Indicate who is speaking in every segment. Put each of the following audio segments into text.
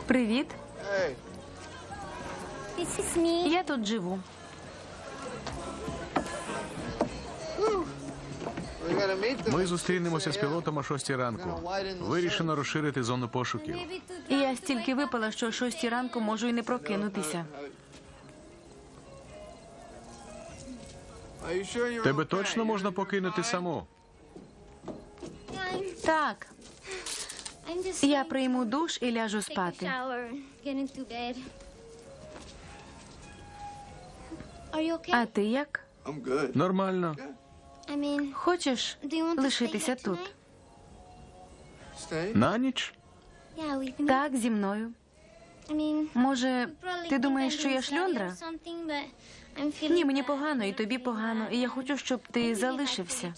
Speaker 1: Привіт. Я тут живу.
Speaker 2: Ми зустрінемося з пілотом о 6 ранку. Вирішено розширити зону пошуків.
Speaker 1: Я стільки випила, що о 6 ранку можу і не прокинутися.
Speaker 2: Тебе точно можна покинути саму?
Speaker 1: Так, я прийму душ і ляжу спати. А ти як?
Speaker 2: Нормально.
Speaker 1: Хочеш лишитися тут?
Speaker 2: На ніч?
Speaker 1: Так, зі мною. Може, ти думаєш, що я шльондра? Ні, мені погано, і тобі погано, і я хочу, щоб ти залишився.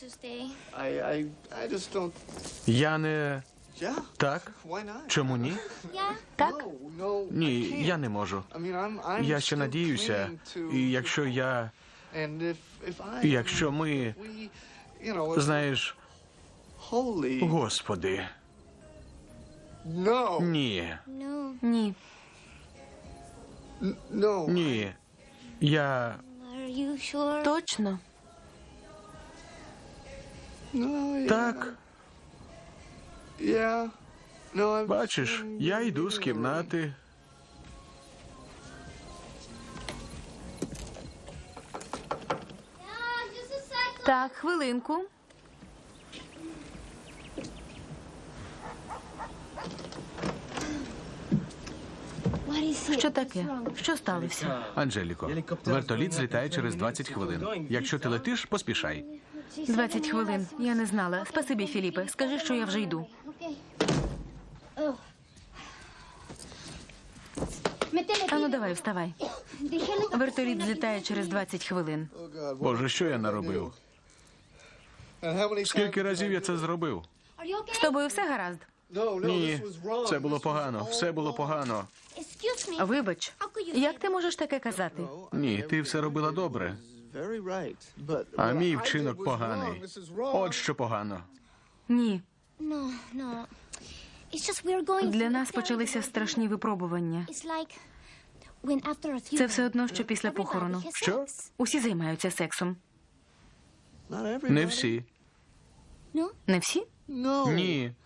Speaker 2: Я не... Так? Чому ні?
Speaker 1: Так?
Speaker 2: Ні, я не можу. Я ще надіюся, і якщо ми, знаєш, Господи, ні,
Speaker 1: Ні.
Speaker 2: ні, я...
Speaker 1: Точно?
Speaker 2: Так, бачиш, я йду з кімнати.
Speaker 1: Так, хвилинку. Що таке? Що сталося?
Speaker 2: Анжеліко, вертоліт злітає через 20 хвилин. Якщо ти летиш, поспішай.
Speaker 1: 20 хвилин. Я не знала. Спасибі, Філіпе. Скажи, що я вже йду. Ану, давай, вставай. Вертоліт злітає через 20 хвилин.
Speaker 2: Боже, що я наробив? Скільки разів я це зробив?
Speaker 1: З тобою все гаразд?
Speaker 2: Ні, це було погано, все було погано.
Speaker 1: Вибач, як ти можеш таке казати?
Speaker 2: Ні, ти все робила добре, а мій вчинок поганий. От що погано.
Speaker 1: Ні. Для нас почалися страшні випробування. Це все одно, що після похорону.
Speaker 2: Що?
Speaker 1: Усі займаються сексом.
Speaker 2: Не всі.
Speaker 1: Не всі?
Speaker 2: Ні.